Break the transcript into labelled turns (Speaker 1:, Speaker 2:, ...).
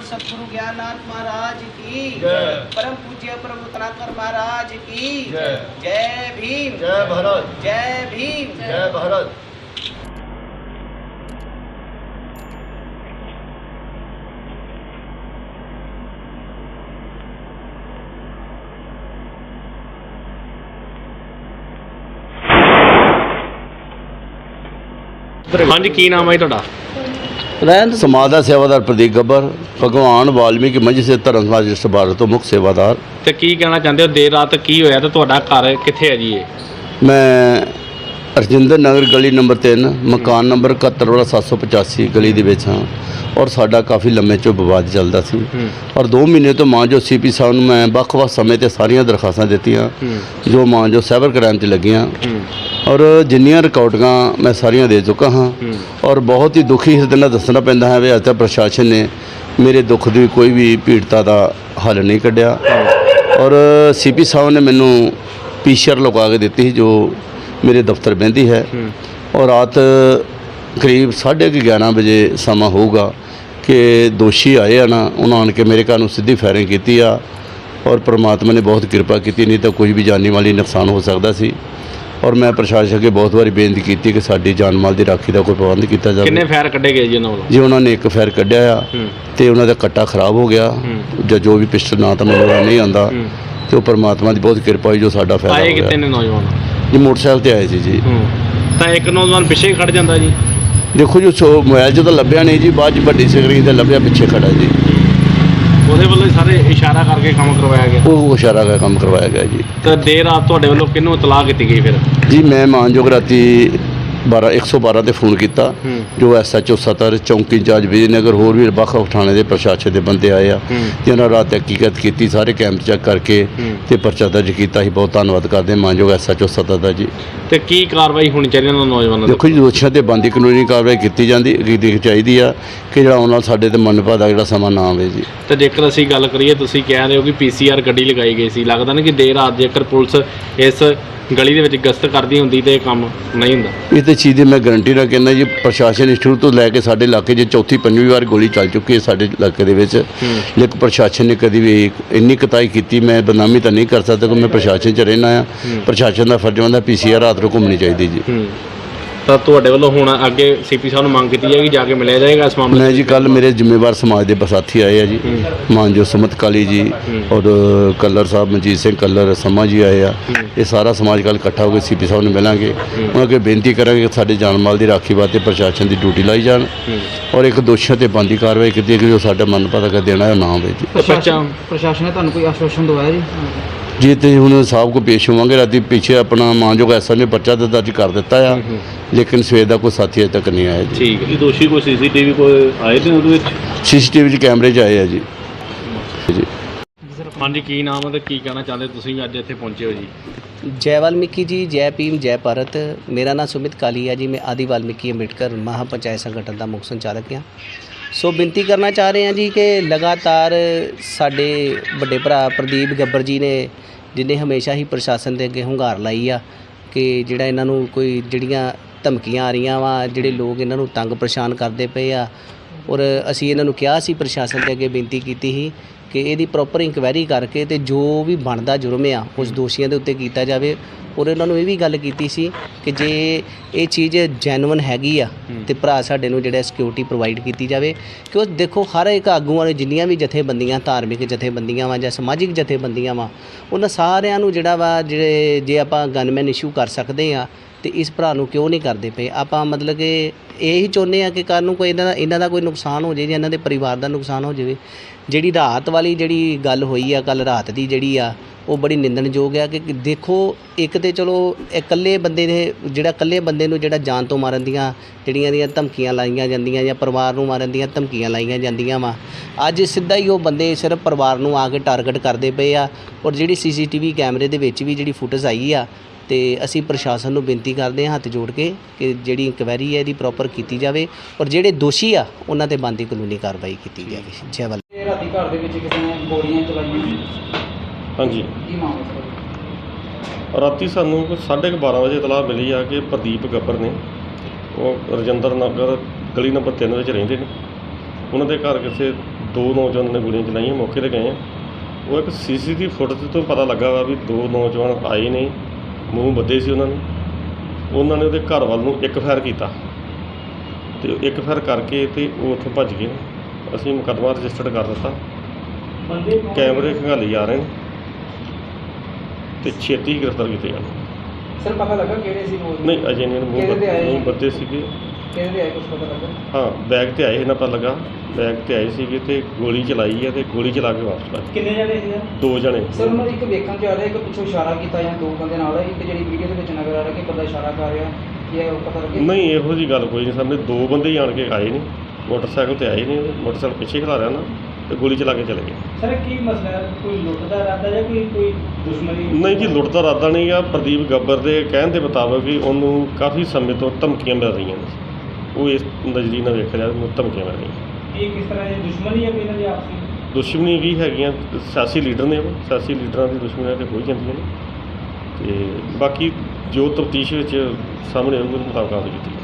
Speaker 1: सतगुरु ज्ञाननाथ महाराज की, परम पूज्य प्रभु तनाकर महाराज की जय भीम,
Speaker 2: जय भारत,
Speaker 1: जय भीम,
Speaker 2: जय भारत।
Speaker 3: ਹਾਂਜੀ ਕੀ ਨਾਮ ਹੈ ਜੀ ਤੁਹਾਡਾ?
Speaker 2: ਰਹਿੰਦ ਸਮਾਜ ਦਾ ਸੇਵਾਦਾਰ ਪ੍ਰਦੀਪ ਗੱਬਰ, ਭਗਵਾਨ ਵਾਲਮੀਕੀ ਮੰਝ ਸੇ ਧਰਮ ਸਮਾਜ ਰਜਿਸਟਰ ਭਾਰਤ ਤੋਂ ਮੁੱਖ ਸੇਵਾਦਾਰ।
Speaker 3: ਤੇ ਕੀ ਕਹਿਣਾ ਚਾਹੁੰਦੇ ਹੋ, ਦੇਰ ਰਾਤ ਕੀ ਹੋਇਆ ਤੇ ਤੁਹਾਡਾ ਘਰ ਕਿੱਥੇ ਹੈ ਜੀ ਇਹ?
Speaker 2: ਮੈਂ ਰਜਿੰਦਰ ਨਗਰ ਗਲੀ ਨੰਬਰ 3 ਮਕਾਨ ਨੰਬਰ 71/785 ਗਲੀ ਦੇ ਵਿੱਚ ਹਾਂ ਔਰ ਸਾਡਾ ਕਾਫੀ ਲੰਮੇ ਚੋਂ ਵਿਵਾਦ ਚੱਲਦਾ ਸੀ ਔਰ 2 ਮਹੀਨੇ ਤੋਂ ਮਾਂ ਜੋ ਸੀਪੀ ਸਾਹਿਬ ਨੂੰ ਮੈਂ ਵੱਖ-ਵੱਖ ਸਮੇਂ ਤੇ ਸਾਰੀਆਂ ਦਰਖਾਸਤਾਂ ਦਿੱਤੀਆਂ ਜੋ ਮਾਂ ਜੋ ਸਾਈਬਰ ਕ੍ਰਾਈਮ 'ਤੇ ਲੱਗੀਆਂ ਔਰ ਜਿੰਨੀਆਂ ਰਿਕਾਰਡਿੰਗਾਂ ਮੈਂ ਸਾਰੀਆਂ ਦੇ ਚੁੱਕਾ ਹਾਂ ਔਰ ਬਹੁਤ ਹੀ ਦੁਖੀ ਇਸ ਦਿਨ ਦੱਸਣਾ ਪੈਂਦਾ ਹੈ ਵੀ ਅੱਜ ਤੱਕ ਪ੍ਰਸ਼ਾਸਨ ਨੇ ਮੇਰੇ ਦੁੱਖ ਦੀ ਕੋਈ ਵੀ ਪੀੜਤਾ ਦਾ ਹੱਲ ਨਹੀਂ ਕੱਢਿਆ ਔਰ ਸੀਪੀ ਸਾਹਿਬ ਨੇ ਮੈਨੂੰ ਪੀਸੀਆਰ ਲਗਾ ਕੇ ਦਿੱਤੀ ਸੀ ਜੋ ਮੇਰੇ ਦਫ਼ਤਰ ਬਹਿੰਦੀ ਹੈ ਔਰ ਰਾਤ ਕਰੀਬ 11:30 ਵਜੇ ਸਮਾਂ ਹੋਊਗਾ ਕਿ ਦੋਸ਼ੀ ਆਏ ਆ ਨਾ, ਉਹਨਾਂ ਆਣ ਕੇ ਮੇਰੇ ਘਰ ਨੂੰ ਸਿੱਧੀ ਫਾਇਰਿੰਗ ਕੀਤੀ ਆ ਔਰ ਪ੍ਰਮਾਤਮਾ ਨੇ ਬਹੁਤ ਕਿਰਪਾ ਕੀਤੀ, ਨਹੀਂ ਤਾਂ ਕੁਝ ਵੀ ਜਾਨੀ ਮਾਲੀ ਨੁਕਸਾਨ ਹੋ ਸਕਦਾ ਸੀ ਔਰ ਮੈਂ ਪ੍ਰਸ਼ਾਸਨ ਅੱਗੇ ਬਹੁਤ ਵਾਰੀ ਬੇਨਤੀ ਕੀਤੀ ਕਿ ਸਾਡੀ ਜਾਨ ਮਾਲ ਦੀ ਰਾਖੀ ਦਾ ਕੋਈ ਪ੍ਰਬੰਧ ਕੀਤਾ ਜਾਵੇ।
Speaker 3: ਕਿੰਨੇ ਫਾਇਰ ਕੱਢੇ ਗਏ ਜੀ ਉਹਨਾਂ ਵੱਲੋਂ?
Speaker 2: ਜੀ ਉਹਨਾਂ ਨੇ ਇੱਕ ਫਾਇਰ ਕੱਢਿਆ ਆ ਤੇ ਉਹਨਾਂ ਦਾ ਕੱਟਾ ਖਰਾਬ ਹੋ ਗਿਆ ਜਾਂ ਜੋ ਵੀ ਪਿਸਟਲ ਨਾ ਤਾਂ ਮੈਨੂੰ ਨਹੀਂ ਆਉਂਦਾ ਤੇ ਉਹ ਪ੍ਰਮਾਤਮਾ ਦੀ ਬਹੁਤ ਕਿਰਪਾ ਹੋਈ ਜੋ ਸਾਡਾ ਫਾਇਦਾ ਹੋ ਗਿਆ।
Speaker 3: ਆਏ ਕਿਤੇ ਨੇ ਨੌਜਵਾਨ?
Speaker 2: ਜੀ ਮੋਟਰਸਾਈਕਲ ਤੇ ਆਏ ਸੀ ਜੀ।
Speaker 3: ਤਾਂ ਇੱਕ ਨੌਜਵਾਨ ਪਿੱਛੇ ਖੜ ਜਾਂਦਾ ਜੀ?
Speaker 2: ਦੇਖੋ ਜੀ ਮੋਬਾਈਲ 'ਚ ਤਾਂ ਲੱਭਿਆ ਨਹੀਂ ਜੀ, ਬਾਅਦ 'ਚ ਵੱਡੀ ਸਕਰੀਨ ਤੇ ਲੱਭਿਆ ਪਿੱਛੇ ਖੜਾ ਜੀ।
Speaker 3: ਉਹਦੇ ਵੱਲੋਂ ਹੀ ਸਾਰੇ ਇਸ਼ਾਰਾ ਕਰਕੇ ਕੰਮ ਕਰਵਾਇਆ ਗਿਆ?
Speaker 2: ਉਹ ਇਸ਼ਾਰਾ ਕਰਕੇ ਕੰਮ ਕਰਵਾਇਆ ਗਿਆ ਜੀ।
Speaker 3: ਤਾਂ ਦੇਰ ਰਾਤ ਤੁਹਾਡੇ ਵੱਲੋਂ ਕਿਹਨੂੰ ਇਤਲਾਹ ਕੀਤੀ ਗਈ ਫਿਰ?
Speaker 2: ਜੀ ਮੈਂ ਮਾਨਯੋਗ ਰਾਤੀ 112 ਤੇ ਫੋਨ ਕੀਤਾ ਜੋ SHO ਸਤਰ ਚੌਂਕੀ ਇੰਚਾਰਜ ਵਿਜੇਨਗਰ ਹੋਰ ਵੀ ਵੱਖ-ਵੱਖ ਥਾਣੇ ਦੇ ਪ੍ਰਸ਼ਾਸਨ ਦੇ ਬੰਦੇ ਆਏ ਆ ਜਿਹਨਾਂ ਰਾਤ ਤਹਿਕੀਕਤ ਕੀਤੀ, ਸਾਰੇ ਕੈਂਪ ਚੈੱਕ ਕਰਕੇ ਤੇ ਪਰਚਾ ਦਰਜ ਕੀਤਾ ਸੀ। ਬਹੁਤ ਧੰਨਵਾਦ ਕਰਦੇ ਮਾਨਯੋਗ SHO ਸਤਰ ਦਾ ਜੀ।
Speaker 3: ਤੇ ਕੀ ਕਾਰਵਾਈ ਹੋਣੀ ਚਾਹੀਦੀ ਉਹਨਾਂ ਨੌਜਵਾਨਾਂ ਦੀ?
Speaker 2: ਦੇਖੋ ਜੀ ਦੋਸ਼ੀਆਂ ਤੇ ਬਣਦੀ ਕਾਨੂੰਨੀ ਕਾਰਵਾਈ ਕੀਤੀ ਚਾਹੀਦੀ ਆ ਕਿ ਜਿਹੜਾ ਉਹਨਾਂ ਨਾਲ ਸਾਡੇ ਤੇ ਮਨਪਾ ਦਾ ਜਿਹੜਾ ਸਮਾਂ ਨਾ ਆਵੇ ਜੀ।
Speaker 3: ਤੇ ਜੇਕਰ ਅਸੀਂ ਗੱਲ ਕਰੀਏ, ਤੁਸੀਂ ਕਹਿ ਰਹੇ ਹੋ ਕਿ PCR ਗੱਡੀ ਲਗਾਈ ਗਈ ਸੀ, ਲੱਗਦਾ ਨਾ ਕਿ ਦੇਰ ਰਾਤ ਜੇਕਰ ਪੁਲਿਸ ਇਸ ਗਲੀ ਦੇ ਵਿੱਚ ਗਸ਼ਤ ਕਰਦੀ ਹੁੰਦੀ ਤੇ ਇਹ ਕੰਮ ਨਹੀਂ ਹੁੰਦਾ?
Speaker 2: ਇਹ ਤਾਂ ਚੀਜ਼ ਦੀ ਮੈਂ ਗਰੰਟੀ ਨਾਲ ਕਹਿੰਦਾ ਜੀ, ਪ੍ਰਸ਼ਾਸਨ ਸ਼ੁਰੂ ਤੋਂ ਲੈ ਕੇ ਸਾਡੇ ਇਲਾਕੇ 'ਚ ਚੌਥੀ ਪੰਜਵੀਂ ਵਾਰ ਗੋਲੀ ਚੱਲ ਚੁੱਕੀ ਹੈ ਸਾਡੇ ਇਲਾਕੇ ਦੇ ਵਿੱਚ, ਲੇਕਿਨ ਪ੍ਰਸ਼ਾਸਨ ਨੇ ਕਦੀ ਵੀ ਇੰਨੀ ਕੁਤਾਹੀ ਕੀਤੀ। ਮੈਂ ਬਦਨਾਮੀ ਤਾਂ ਨਹੀਂ ਕਰ ਸਕਦਾ ਕਿ ਮੈਂ ਪ੍ਰਸ਼ਾਸਨ 'ਚ ਰਹਿਣਾ ਆ, ਪ੍ਰਸ਼ਾਸਨ ਦਾ ਫਰਜ਼ ਬਣਦਾ PCR ਰਾਤ ਨੂੰ ਘੁੰਮਣੀ ਚਾਹੀਦੀ ਜੀ।
Speaker 3: ਤਾਂ ਤੁਹਾਡੇ ਵੱਲੋਂ ਹੁਣ ਅੱਗੇ ਸੀਪੀ ਸਾਹਿਬ ਨੂੰ ਮੰਗ ਕੀਤੀ ਜਾਏਗੀ, ਜਾ ਕੇ ਮਿਲਿਆ ਜਾਏਗਾ ਇਸ ਮਾਮਲੇ?
Speaker 2: ਮੈਂ ਜੀ ਕੱਲ ਮੇਰੇ ਜ਼ਿੰਮੇਵਾਰ ਸਮਾਜ ਦੇ ਸਾਥੀ ਆਏ ਆ ਜੀ, ਮਾਨਜੋ ਸੁਮਤ ਕਾਲੀ ਜੀ ਔਰ ਕੱਲਰ ਸਾਹਿਬ ਮਨਜੀਤ ਸਿੰਘ ਕੱਲਰ ਸਮਾ ਜੀ ਆਏ ਆ। ਇਹ ਸਾਰਾ ਸਮਾਜ ਕੱਲ ਇਕੱਠਾ ਹੋ ਕੇ ਸੀਪੀ ਸਾਹਿਬ ਨੂੰ ਮਿਲਾਂਗੇ, ਉਹਨਾਂ ਅੱਗੇ ਬੇਨਤੀ ਕਰਾਂਗੇ ਕਿ ਸਾਡੇ ਜਾਨ ਮਾਲ ਦੀ ਰਾਖੀ ਵਾਸਤੇ ਪ੍ਰਸ਼ਾਸਨ ਦੀ ਡਿਊਟੀ ਲਾਈ ਜਾਣ ਔਰ ਇੱਕ ਦੋਸ਼ੀਆਂ ਤੇ ਬਣਦੀ ਕਾਰਵਾਈ ਕੀਤੀ ਕਿ ਜੋ ਸਾਡਾ ਮਨ ਪਤਾ ਦੇਣਾ ਨਾ ਹੋਵੇ ਜੀ।
Speaker 1: ਪ੍ਰਸ਼ਾਸਨ ਨੇ ਤੁਹਾਨੂੰ ਕੋਈ ਆਸ਼ਵਾਸਨ ਦਵਾਇਆ ਜੀ?
Speaker 2: ਜੀ ਤੇ ਹੁਣ ਸਾਹਿਬ ਕੋ ਪੇਸ਼ ਹੋਵਾਂਗੇ। ਰਾਤੀ ਪਿੱਛੇ ਆਪਣਾ ਮਾਨਯੋਗ ਐਸਾ ਨੇ ਪਰਚਾ ਦਰਜ ਕਰ ਦਿੱਤਾ ਆ, ਲੇਕਿਨ ਸਵੇਰ ਦਾ ਕੋਈ ਸਾਥੀ ਅਜੇ ਤੱਕ ਨਹੀਂ ਆਇਆ ਜੀ।
Speaker 3: ਠੀਕ ਹੈ।
Speaker 4: ਦੋਸ਼ੀ ਕੋਈ CCTV ਕੋਈ ਆਏ ਨੇ ਉਹਦੇ ਵਿੱਚ?
Speaker 2: CCTV 'ਚ ਕੈਮਰੇ 'ਚ ਆਏ ਆ ਜੀ।
Speaker 3: ਹਾਂਜੀ ਕੀ ਨਾਮ ਹੈ ਤੇ ਕੀ ਕਹਿਣਾ ਚਾਹੁੰਦੇ ਤੁਸੀਂ ਅੱਜ ਇੱਥੇ ਪਹੁੰਚੇ ਹੋ ਜੀ?
Speaker 1: जय वाल्मीकि जी, जय भीम, जय भारत। मेरा नाम सुमित काली है जी। मैं आदि वाल्मीकि अंबेडकर महापंचायत संगठन का मुख संचालक हाँ। सो बेनती करना चाह रहे हैं जी कि लगातार साडे बड़े भरा प्रदीप गब्बर जी ने जिन्हें हमेशा ही प्रशासन के अगे हुंगार लाई आ कि जिहड़ा इन्हां नूं कोई जिहड़ियां धमकियां आ रहीआं वा, जिहड़े लोग इन्हां नूं तंग परेशान करते पे आ और असीं इन्हां नूं किहा सी, प्रशासन के अगे बेनती कीती ही कि ਇਹਦੀ ਪ੍ਰੋਪਰ ਇਨਕੁਆਇਰੀ ਕਰਕੇ ਤੇ ਜੋ ਵੀ ਬਣਦਾ ਜੁਰਮ ਆ ਉਸ ਦੋਸ਼ੀਆਂ ਦੇ ਉੱਤੇ ਕੀਤਾ ਜਾਵੇ। ਔਰ ਇਹਨਾਂ ਨੂੰ ਇਹ ਵੀ ਗੱਲ ਕੀਤੀ ਸੀ ਕਿ ਜੇ ਇਹ ਚੀਜ਼ ਜੈਨੂਇਨ ਹੈਗੀ ਆ ਤੇ ਭਰਾ ਸਾਡੇ ਨੂੰ ਜਿਹੜਾ ਸਿਕਿਉਰਿਟੀ ਪ੍ਰੋਵਾਈਡ ਕੀਤੀ ਜਾਵੇ। ਕਿਉਂ ਦੇਖੋ ਹਰ ਇੱਕ ਆਗੂਆਂ ਨੇ ਜਿੰਨੀਆਂ ਵੀ ਜਥੇਬੰਦੀਆਂ, ਧਾਰਮਿਕ ਜਥੇਬੰਦੀਆਂ ਵਾ ਜਾਂ ਸਮਾਜਿਕ ਜਥੇਬੰਦੀਆਂ ਵਾ, ਉਹਨਾਂ ਸਾਰਿਆਂ ਨੂੰ ਜਿਹੜਾ ਵਾ ਜਿਹੜੇ ਜੇ ਆਪਾਂ ਗਨਮੈਨ ਇਸ਼ੂ ਕਰ ਸਕਦੇ ਆ ਤੇ ਇਸ ਭਰਾ ਨੂੰ ਕਿਉਂ ਨਹੀਂ ਕਰਦੇ ਪਏ? ਆਪਾਂ ਮਤਲਬ ਕਿ ਇਹੀ ਚਾਹੁੰਦੇ ਆ ਕਿ ਕੱਲ੍ਹ ਨੂੰ ਕੋਈ ਇਹਨਾਂ ਦਾ ਕੋਈ ਨੁਕਸਾਨ ਹੋ ਜਾਵੇ ਜਾਂ ਇਹਨਾਂ ਦੇ ਪਰਿਵਾਰ ਦਾ ਨੁਕਸਾਨ ਹੋ ਜਾਵੇ। ਜਿਹੜੀ ਰਾਤ ਵਾਲੀ ਜਿਹੜੀ ਗੱਲ ਹੋਈ ਆ, ਕੱਲ੍ਹ ਰਾਤ ਦੀ ਜਿਹੜੀ ਆ ਉਹ ਬੜੀ ਨਿੰਦਣਯੋਗ ਆ ਕਿ ਦੇਖੋ ਇੱਕ ਤਾਂ ਚਲੋ ਇਕੱਲੇ ਬੰਦੇ ਨੇ ਜਿਹੜਾ ਇਕੱਲੇ ਬੰਦੇ ਨੂੰ ਜਿਹੜਾ ਜਾਨ ਤੋਂ ਮਾਰਨ ਦੀਆਂ ਜਿਹੜੀਆਂ ਧਮਕੀਆਂ ਲਾਈਆਂ ਜਾਂਦੀਆਂ ਜਾਂ ਪਰਿਵਾਰ ਨੂੰ ਮਾਰਨ ਦੀਆਂ ਧਮਕੀਆਂ ਲਾਈਆਂ ਜਾਂਦੀਆਂ ਵਾ, ਅੱਜ ਸਿੱਧਾ ਹੀ ਉਹ ਬੰਦੇ ਸਿਰਫ ਪਰਿਵਾਰ ਨੂੰ ਆ ਕੇ ਟਾਰਗੇਟ ਕਰਦੇ ਪਏ ਆ। ਔਰ ਜਿਹੜੀ CCTV ਕੈਮਰੇ ਦੇ ਵਿੱਚ ਵੀ ਜਿਹੜੀ ਫੁਟੇਜ ਆਈ ਆ ਤੇ ਅਸੀਂ ਪ੍ਰਸ਼ਾਸਨ ਨੂੰ ਬੇਨਤੀ ਕਰਦੇ ਹਾਂ ਹੱਥ ਜੋੜ ਕੇ ਕਿ ਜਿਹੜੀ ਇਨਕੁਆਇਰੀ ਹੈ ਇਹਦੀ ਪ੍ਰੋਪਰ ਕੀਤੀ ਜਾਵੇ ਔਰ ਜਿਹੜੇ ਦੋਸ਼ੀ ਆ ਉਹਨਾਂ ਤੇ ਬਣਦੀ ਕਾਨੂੰਨੀ ਕਾਰਵਾਈ ਕੀਤੀ ਜਾਵੇ। ਜੈ ਵਾਲ
Speaker 5: ਰਾਤੀ ਘਰ ਦੇ ਵਿੱਚ ਕਿਸੇ ਨੇ ਗੋਲੀਆਂ ਚਲਾਈਆਂ?
Speaker 4: ਹਾਂਜੀ,
Speaker 5: ਕੀ ਮਾਮਲਾ ਸਰ?
Speaker 4: ਰਾਤੀ ਸਾਨੂੰ 12:30 ਵਜੇ ਇਤਲਾਹ ਮਿਲੀ ਆ ਕਿ ਪ੍ਰਦੀਪ ਗੱਬਰ ਨੇ, ਉਹ ਰਜਿੰਦਰ ਨਗਰ ਗਲੀ ਨੰਬਰ 3 ਵਿੱਚ ਰਹਿੰਦੇ ਨੇ। ਉਹਨਾਂ ਦੇ ਘਰ ਕਿਸੇ ਦੋ ਨੌਜਵਾਨਾਂ ਨੇ ਗੋਲੀਆਂ ਚਲਾਈਆਂ। ਮੌਕੇ 'ਤੇ ਗਏ ਆ, ਉਹ ਇੱਕ CCTV ਫੁਟੇਜ ਤੋਂ ਪਤਾ ਲੱਗਾ ਵਾ ਵੀ ਦੋ ਨੌਜਵਾਨ ਆਏ ਨੇ, ਮੂੰਹ ਬੱਧੇ ਸੀ ਉਹਨਾਂ ਨੇ ਉਹਦੇ ਘਰ ਵੱਲ ਨੂੰ ਇੱਕ ਫਾਇਰ ਕੀਤਾ ਤੇ ਇੱਕ ਫਾਇਰ ਕਰਕੇ ਤੇ ਉਹ ਉੱਥੋਂ ਭੱਜ ਗਏ। ਅਸੀਂ ਮੁਕੱਦਮਾ ਰਜਿਸਟਰਡ ਕਰ ਦਿੱਤਾ। ਕੈਮਰੇ ਖੰਗਾਲੀ ਜਾ ਰਹੇ ਨੇ ਤੇ ਛੇਤੀ ਹੀ ਗ੍ਰਿਫਤਾਰ ਕੀਤੇ ਜਾਣ।
Speaker 5: ਸਰ ਪਤਾ ਲੱਗਾ ਕਿਹੜੇ ਸੀ ਨੌਜਵਾਨ?
Speaker 4: ਨਹੀਂ ਅਜੇ ਨਹੀਂ, ਮੂੰਹ ਬੱਧੇ ਸੀਗੇ।
Speaker 5: ਕਿਹਦੇ ਆਏ ਕੁਝ ਪਤਾ ਲੱਗਾ?
Speaker 4: ਹਾਂ, ਬੈਗ ਤੇ ਆਏ ਇਹਨਾਂ ਪਤਾ ਲੱਗਾ, ਬੈਗ ਤੇ ਆਏ ਸੀਗੇ ਤੇ ਗੋਲੀ ਚਲਾਈ ਹੈ ਤੇ ਗੋਲੀ ਚਲਾ ਕੇ ਵਾਪਸ ਭੱਜ ਗਏ।
Speaker 5: ਕਿੰਨੇ ਜਣੇ ਸੀ?
Speaker 4: ਦੋ ਜਣੇ।
Speaker 5: ਸਰ ਉਹਨਾਂ ਦੀ ਇੱਕ ਵੇਖਣ ਚ ਆ ਰਿਹਾ, ਇੱਕ ਪਿੱਛੋਂ ਇਸ਼ਾਰਾ ਕੀਤਾ ਜਾਂ ਦੋ ਬੰਦੇ ਨਾਲ, ਇੱਕ ਜਿਹੜੀ ਵੀਡੀਓ ਦੇ ਵਿੱਚ ਨਜ਼ਰ ਆ ਰਿਹਾ ਕਿ ਬੰਦਾ ਇਸ਼ਾਰਾ ਕਰ ਰਿਹਾ, ਕੀ ਹੈ ਉਹ ਪਤਾ ਲੱਗਿਆ?
Speaker 4: ਨਹੀਂ, ਇਹੋ ਜੀ ਗੱਲ ਕੋਈ ਨਹੀਂ। ਸਾਹਮਣੇ ਦੋ ਬੰਦੇ ਹੀ ਆਣ ਕੇ ਆਏ ਨੇ, ਮੋਟਰਸਾਈਕਲ ਤੇ ਆਏ ਨੇ, ਮੋਟਰਸਾਈਕਲ ਪਿੱਛੇ ਖਿਲਾ ਰਿਹਾ ਨਾ ਤੇ ਗੋਲੀ ਚਲਾ ਕੇ ਚਲੇ ਗਏ।
Speaker 5: ਸਰ ਕੀ ਮਸਲਾ ਹੈ? ਕੋਈ ਲੁੱਟ ਦਾ ਇਰਾਦਾ ਜਾਂ ਕੋਈ ਦੁਸ਼ਮਣੀ?
Speaker 4: ਨਹੀਂ ਜੀ, ਲੁੱਟ ਦਾ ਇਰਾਦਾ ਨਹੀਂ ਆ। ਪ੍ਰਦੀਪ ਗੱਬਰ ਦੇ ਕਹਿਣ ਦੇ ਮੁਤਾਬਕ ਵੀ ਉਹਨੂੰ ਕਾਫੀ ਸਮੇਂ ਤੋਂ ਧਮਕੀਆਂ ਮਿਲ ਰਹੀਆਂ ਨੇ। ਉਹ ਇਸ ਨਜ਼ਰੀਏ ਨਾਲ ਵੇਖਿਆ ਜਾਵੇ, ਉਹਨੂੰ ਧਮਕੀਆਂ ਮਿਲ ਰਹੀਆਂ।
Speaker 5: ਇਹ ਕਿਸ ਤਰ੍ਹਾਂ ਦੀ ਦੁਸ਼ਮਣੀ ਹੈ ਕੋਈ ਇਹਨਾਂ ਦੀ ਆਪਸੀ?
Speaker 4: ਦੁਸ਼ਮਣੀ ਵੀ ਹੈਗੀਆਂ, ਸਿਆਸੀ ਲੀਡਰ ਨੇ ਉਹ, ਸਿਆਸੀ ਲੀਡਰਾਂ ਦੀ ਦੁਸ਼ਮਣੀਆਂ ਤੇ ਹੋ ਜਾਂਦੀਆਂ ਨੇ ਤੇ ਬਾਕੀ ਜੋ ਤਫਤੀਸ਼ ਵਿੱਚ ਸਾਹਮਣੇ ਆਊਗਾ ਉਹਦੇ ਮੁਤਾਬਕ ਕਾਰਵਾਈ ਕੀਤੀ